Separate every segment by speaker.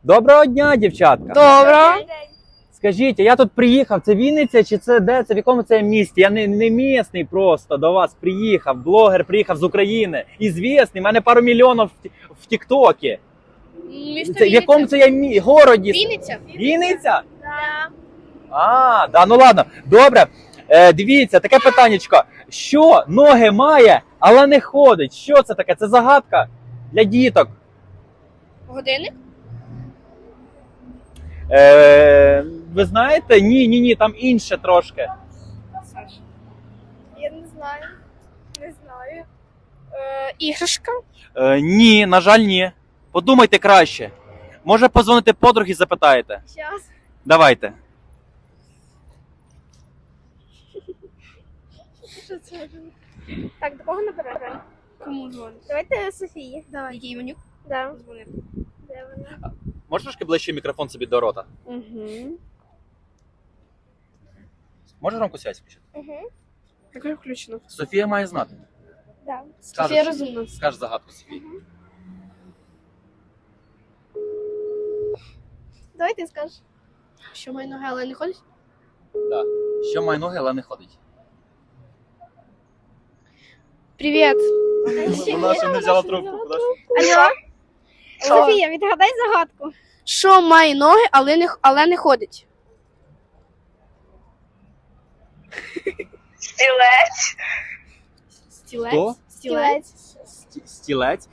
Speaker 1: Доброго дня, дівчатка.
Speaker 2: Добре.
Speaker 1: Скажіть, я тут приїхав, це Вінниця чи це де? Це в якому це місті? Я не місний просто до вас приїхав, блогер приїхав з України. Ізвісний, в мене пару мільйонів в Тіктокі.
Speaker 2: Місто
Speaker 1: В якому це я городі?
Speaker 2: Вінниця.
Speaker 1: Вінниця?
Speaker 2: Да.
Speaker 1: Да, ну ладно. Добре. Дивіться, таке питаннячко. Що ноги має, але не ходить? Що це таке? Це загадка для діток.
Speaker 2: Годинник?
Speaker 1: Ви знаєте? Ні, там інше трошки.
Speaker 2: Саш. Я не знаю. Не знаю. Іграшка?
Speaker 1: Ні, на жаль, ні. Подумайте краще. Може позвонити подруги, запитаєте?
Speaker 2: Щас.
Speaker 1: Давайте.
Speaker 2: Що це? Так, до кого наберемо? Кому дзвонити? Давайте Софії. Давай. Який Іванюк? Да. Дзвони. Де вона?
Speaker 1: Можеш трошки ближче мікрофон собі до рота?
Speaker 2: Угу.
Speaker 1: Можеш громку связь включити?
Speaker 2: Угу. Так включено.
Speaker 1: Софія має знати.
Speaker 2: Да.
Speaker 1: Скажеш.
Speaker 2: Софія розумна.
Speaker 1: Скажеш загадку Софії.
Speaker 2: Давай ти скажеш. Що має ноги, але не ходить?
Speaker 1: Да. Що має ноги, але не ходить.
Speaker 2: Привіт.
Speaker 1: Вона ще не взяла трубку.
Speaker 2: Алло. Софія, відгадай загадку. Що має ноги, але не ходить?
Speaker 3: Стілець.
Speaker 2: Стілець?
Speaker 1: Хто?
Speaker 2: Стілець.
Speaker 1: Стілець.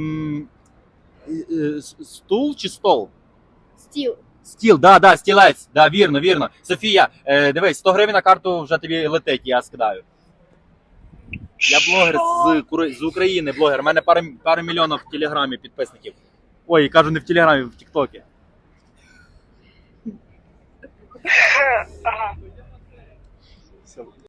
Speaker 1: Стул чи стол?
Speaker 2: Стіл.
Speaker 1: Стіл, да, стілець. Да, вірно. Софія, дивись, 100 гривень на карту вже тобі летить, я скидаю. Я блогер з України, блогер. У мене пару мільйонів в Телеграмі підписників. Ой, кажу, не в Телеграмі, в Тіктокі.
Speaker 3: Ага.